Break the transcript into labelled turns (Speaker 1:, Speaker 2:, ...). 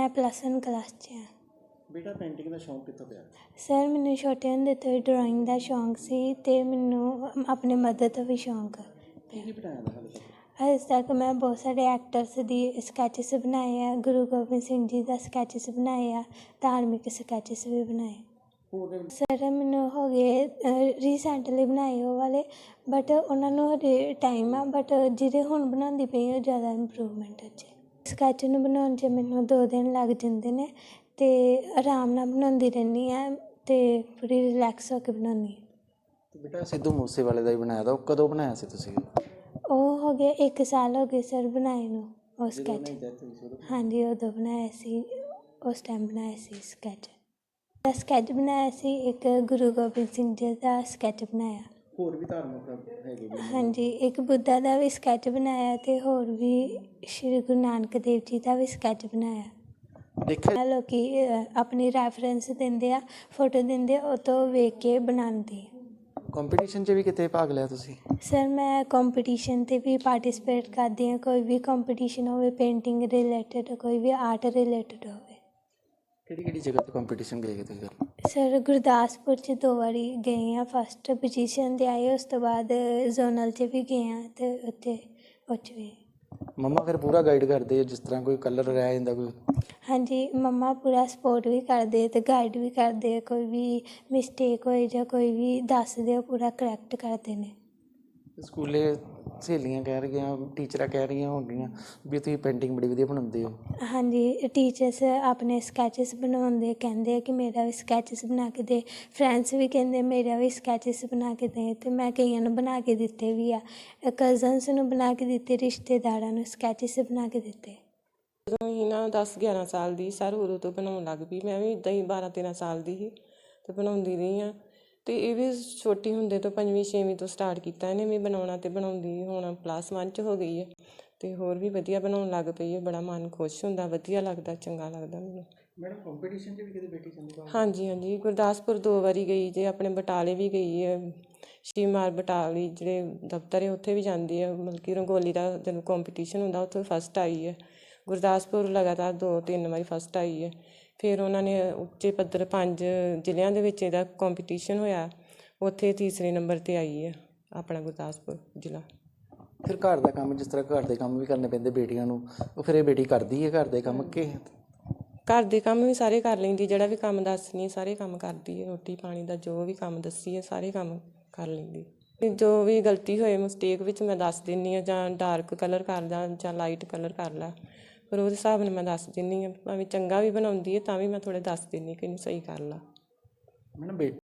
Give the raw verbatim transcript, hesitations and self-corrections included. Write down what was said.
Speaker 1: मैं plus one class च हाँ।
Speaker 2: बेटा पेंटिंग का शौक कितों पिया?
Speaker 1: सर मैनू छोटे ਹੁੰਦੇ ਤੋਂ ਹੀ ਡਰਾਇੰਗ ਦਾ ਸ਼ੌਂਕ ਸੀ ਅਤੇ ਮੈਨੂੰ ਆਪਣੇ ਮਦਰ ਤੋਂ ਵੀ ਸ਼ੌਂਕ
Speaker 2: ਕੀ ਕੀ ਬਣਾਇਆ ਦਾ ਹਾਲੇ ਤੱਕ?
Speaker 1: ਅਜੇ ਤੱਕ ਮੈਂ ਬਹੁਤ ਸਾਰੇ ਐਕਟਰਸ ਦੀ ਸਕੈਚਿਸ ਬਣਾਏ ਆ, ਗੁਰੂ ਗੋਬਿੰਦ ਸਿੰਘ ਜੀ ਦਾ ਸਕੈਚਿਸ ਬਣਾਏ ਆ, ਧਾਰਮਿਕ ਸਕੈਚਿਸ ਵੀ ਬਣਾਏ।
Speaker 2: ਹੋਰ
Speaker 1: ਸਰ ਮੈਨੂੰ ਹੋ ਗਏ ਰੀਸੈਂਟਲੀ ਬਣਾਏ ਉਹ ਵਾਲੇ, ਬਟ ਉਹਨਾਂ ਨੂੰ ਹਜੇ ਟਾਈਮ ਆ, ਬਟ ਜਿਹੜੇ ਹੁਣ ਬਣਾਉਂਦੀ ਪਈ ਉਹ ਜ਼ਿਆਦਾ ਇੰਪਰੂਵਮੈਂਟ 'ਚ। ਸਕੈਚ ਨੂੰ ਬਣਾਉਣ 'ਚ ਮੈਨੂੰ ਦੋ ਦਿਨ ਲੱਗ ਜਾਂਦੇ ਨੇ ਅਤੇ ਆਰਾਮ ਨਾਲ ਬਣਾਉਂਦੀ ਰਹਿੰਦੀ ਹਾਂ ਅਤੇ ਪੂਰੀ ਰਿਲੈਕਸ ਹੋ ਕੇ ਬਣਾਉਂਦੀ ਹਾਂ।
Speaker 2: ਬੇਟਾ ਸਿੱਧੂ ਮੂਸੇਵਾਲੇ ਦਾ ਹੀ ਬਣਾਇਆ ਦਾ, ਉਹ ਕਦੋਂ ਬਣਾਇਆ ਸੀ ਤੁਸੀਂ?
Speaker 1: ਉਹ ਹੋ ਗਏ ਇੱਕ ਸਾਲ ਹੋ ਗਏ ਸਰ ਬਣਾਏ ਨੂੰ ਉਹ ਸਕੈਚ। ਹਾਂਜੀ ਉਦੋਂ ਬਣਾਇਆ ਸੀ, ਉਸ ਟਾਈਮ ਬਣਾਇਆ ਸੀ ਸਕੈਚ। ਦਾ ਸਕੈਚ ਬਣਾਇਆ ਸੀ, ਇੱਕ ਗੁਰੂ ਗੋਬਿੰਦ ਸਿੰਘ ਜੀ ਦਾ ਸਕੈਚ ਬਣਾਇਆ। ਹੋਰ ਵੀ ਧਾਰਮਿਕ ਹੈਗੇ? ਹਾਂਜੀ, ਇੱਕ ਬੁੱਧਾ ਦਾ ਵੀ ਸਕੈਚ ਬਣਾਇਆ ਅਤੇ ਹੋਰ ਵੀ ਸ਼੍ਰੀ ਗੁਰੂ ਨਾਨਕ ਦੇਵ ਜੀ ਦਾ ਵੀ ਸਕੈਚ ਬਣਾਇਆ। ਦੇਖਿਆ ਲੋਕ ਆਪਣੀ ਰੈਫਰੈਂਸ ਦਿੰਦੇ ਆ, ਫੋਟੋ ਦਿੰਦੇ ਆ, ਉਹ ਤੋਂ ਵੇਖ ਕੇ ਬਣਾਉਂਦੇ।
Speaker 2: ਕੰਪੀਟੀਸ਼ਨ 'ਚ ਵੀ ਕਿਤੇ ਭਾਗ ਲਿਆ ਤੁਸੀਂ?
Speaker 1: ਸਰ ਮੈਂ ਕੰਪੀਟੀਸ਼ਨ 'ਤੇ ਵੀ ਪਾਰਟੀਸਪੇਟ ਕਰਦੀ ਹਾਂ, ਕੋਈ ਵੀ ਕੰਪੀਟੀਸ਼ਨ ਹੋਵੇ, ਪੇਂਟਿੰਗ ਰਿਲੇਟਡ, ਕੋਈ ਵੀ ਆਰਟ ਰਿਲੇਟਡ ਹੋਵੇ।
Speaker 2: ਕਿਹੜੀ ਕਿਹੜੀ ਜਗ੍ਹਾ 'ਤੇ ਕੰਪੀਟੀਸ਼ਨ ਗਏ ਤੁਸੀਂ?
Speaker 1: ਸਰ ਗੁਰਦਾਸਪੁਰ 'ਚ ਦੋ ਵਾਰੀ ਗਏ ਹਾਂ, ਫਸਟ ਪੋਜੀਸ਼ਨ 'ਤੇ ਆਏ, ਉਸ ਤੋਂ ਬਾਅਦ ਜ਼ੋਨਲ 'ਚ ਵੀ ਗਏ ਹਾਂ ਅਤੇ ਉੱਥੇ ਉਹ 'ਚ ਵੀ।
Speaker 2: ਮੰਮਾ ਫਿਰ ਪੂਰਾ ਗਾਈਡ ਕਰਦੇ ਆ, ਜਿਸ ਤਰ੍ਹਾਂ ਕੋਈ ਕਲਰ ਰਹਿ ਜਾਂਦਾ ਕੋਈ?
Speaker 1: ਹਾਂਜੀ, ਮੰਮਾ ਪੂਰਾ ਸਪੋਰਟ ਵੀ ਕਰਦੇ ਅਤੇ ਗਾਈਡ ਵੀ ਕਰਦੇ, ਕੋਈ ਵੀ ਮਿਸਟੇਕ ਹੋਏ ਜਾਂ ਕੋਈ ਵੀ ਦੱਸਦੇ ਉਹ ਪੂਰਾ ਕਰੈਕਟ ਕਰਦੇ ਨੇ।
Speaker 2: ਸਕੂਲੇ ਸਹੇਲੀਆਂ ਕਹਿ ਰਹੀਆਂ, ਟੀਚਰਾਂ ਕਹਿ ਰਹੀਆਂ ਹੋਣਗੀਆਂ ਵੀ ਤੁਸੀਂ ਪੇਂਟਿੰਗ ਬੜੀ ਵਧੀਆ ਬਣਾਉਂਦੇ ਹੋ।
Speaker 1: ਹਾਂਜੀ, ਟੀਚਰਸ ਆਪਣੇ ਸਕੈਚਿਸ ਬਣਾਉਂਦੇ, ਕਹਿੰਦੇ ਕਿ ਮੇਰਾ ਵੀ ਸਕੈਚਿਸ ਬਣਾ ਕੇ ਦੇ, ਫਰੈਂਡਸ ਵੀ ਕਹਿੰਦੇ ਮੇਰਾ ਵੀ ਸਕੈਚਿਸ ਬਣਾ ਕੇ ਦੇ, ਅਤੇ ਮੈਂ ਕਈਆਂ ਨੂੰ ਬਣਾ ਕੇ ਦਿੱਤੇ ਵੀ ਆ, ਕਜ਼ਨਸ ਨੂੰ ਬਣਾ ਕੇ ਦਿੱਤੇ, ਰਿਸ਼ਤੇਦਾਰਾਂ ਨੂੰ ਸਕੈਚਿਸ ਬਣਾ ਕੇ ਦਿੱਤੇ।
Speaker 3: ਜਦੋਂ ਹੀ ਨਾ ਦਸ ਗਿਆਰਾਂ ਸਾਲ ਦੀ ਸਰ ਉਦੋਂ ਤੋਂ ਬਣਾਉਣ ਲੱਗ ਪਈ, ਮੈਂ ਵੀ ਇੱਦਾਂ ਹੀ ਬਾਰਾਂ ਤੇਰਾਂ ਸਾਲ ਦੀ ਸੀ ਅਤੇ ਬਣਾਉਂਦੀ ਰਹੀ ਹਾਂ। ਅਤੇ ਇਹ ਵੀ ਛੋਟੀ ਹੁੰਦੇ ਤੋਂ ਪੰਜਵੀਂ ਛੇਵੀਂ ਤੋਂ ਸਟਾਰਟ ਕੀਤਾ ਇਹਨੇ ਵੀ ਬਣਾਉਣਾ, ਅਤੇ ਬਣਾਉਂਦੀ ਹੁਣ ਪਲੱਸ ਵਨ 'ਚ ਹੋ ਗਈ ਹੈ ਅਤੇ ਹੋਰ ਵੀ ਵਧੀਆ ਬਣਾਉਣ ਲੱਗ ਪਈ ਹੈ। ਬੜਾ ਮਨ ਖੁਸ਼ ਹੁੰਦਾ, ਵਧੀਆ ਲੱਗਦਾ, ਚੰਗਾ ਲੱਗਦਾ ਮੈਨੂੰ।
Speaker 2: ਮੈਡਮ ਕੰਪੀਟੀਸ਼ਨ 'ਚ ਵੀ ਕਿਤੇ ਬੇਟੀ ਜਾਂਦੀ?
Speaker 3: ਹਾਂਜੀ ਹਾਂਜੀ, ਗੁਰਦਾਸਪੁਰ ਦੋ ਵਾਰੀ ਗਈ ਜੇ, ਆਪਣੇ ਬਟਾਲੇ ਵੀ ਗਈ ਹੈ, ਸ਼ਿਵਮਾਰ ਬਟਾਲੀ ਜਿਹੜੇ ਦਫ਼ਤਰ ਹੈ ਉੱਥੇ ਵੀ ਜਾਂਦੀ ਹੈ, ਮਤਲਬ ਕਿ ਰੰਗੋਲੀ ਦਾ ਜਦੋਂ ਕੰਪੀਟੀਸ਼ਨ ਹੁੰਦਾ ਉੱਥੇ ਫਸਟ ਆਈ ਹੈ। ਗੁਰਦਾਸਪੁਰ ਲਗਾਤਾਰ ਦੋ ਤਿੰਨ ਵਾਰੀ ਫਸਟ ਆਈ ਹੈ। ਫਿਰ ਉਹਨਾਂ ਨੇ ਉੱਚੇ ਪੱਧਰ ਪੰਜ ਜ਼ਿਲ੍ਹਿਆਂ ਦੇ ਵਿੱਚ ਇਹਦਾ ਕੰਪੀਟੀਸ਼ਨ ਹੋਇਆ, ਉੱਥੇ ਤੀਸਰੇ ਨੰਬਰ 'ਤੇ ਆਈ ਹੈ ਆਪਣਾ ਗੁਰਦਾਸਪੁਰ ਜ਼ਿਲ੍ਹਾ।
Speaker 2: ਫਿਰ ਘਰ ਦਾ ਕੰਮ, ਜਿਸ ਤਰ੍ਹਾਂ ਘਰ ਦੇ ਕੰਮ ਵੀ ਕਰਨੇ ਪੈਂਦੇ ਬੇਟੀਆਂ ਨੂੰ, ਉਹ ਫਿਰ ਇਹ ਬੇਟੀ ਕਰਦੀ ਹੈ ਘਰ ਦੇ ਕੰਮ ਕਿ?
Speaker 3: ਘਰ ਦੇ ਕੰਮ ਵੀ ਸਾਰੇ ਕਰ ਲੈਂਦੀ, ਜਿਹੜਾ ਵੀ ਕੰਮ ਦੱਸਣੀ ਸਾਰੇ ਕੰਮ ਕਰਦੀ ਹੈ, ਰੋਟੀ ਪਾਣੀ ਦਾ ਜੋ ਵੀ ਕੰਮ ਦੱਸੀ ਹੈ ਸਾਰੇ ਕੰਮ ਕਰ ਲੈਂਦੀ। ਜੋ ਵੀ ਗਲਤੀ ਹੋਏ ਮਿਸਟੇਕ ਵਿੱਚ ਮੈਂ ਦੱਸ ਦਿੰਦੀ ਹਾਂ, ਜਾਂ ਡਾਰਕ ਕਲਰ ਕਰ ਲਾ ਜਾਂ ਲਾਈਟ ਕਲਰ ਕਰ ਲਾ, ਪਰ ਉਹਦੇ ਹਿਸਾਬ ਨਾਲ ਮੈਂ ਦੱਸ ਦਿੰਦੀ ਹਾਂ। ਭਾਵੇਂ ਚੰਗਾ ਵੀ ਬਣਾਉਂਦੀ ਹੈ ਤਾਂ ਵੀ ਮੈਂ ਥੋੜ੍ਹਾ ਦੱਸ ਦਿੰਦੀ ਕਿ ਇਹਨੂੰ ਸਹੀ ਕਰ ਲਾ।
Speaker 2: ਮੈਡਮ ਬੇਟੀ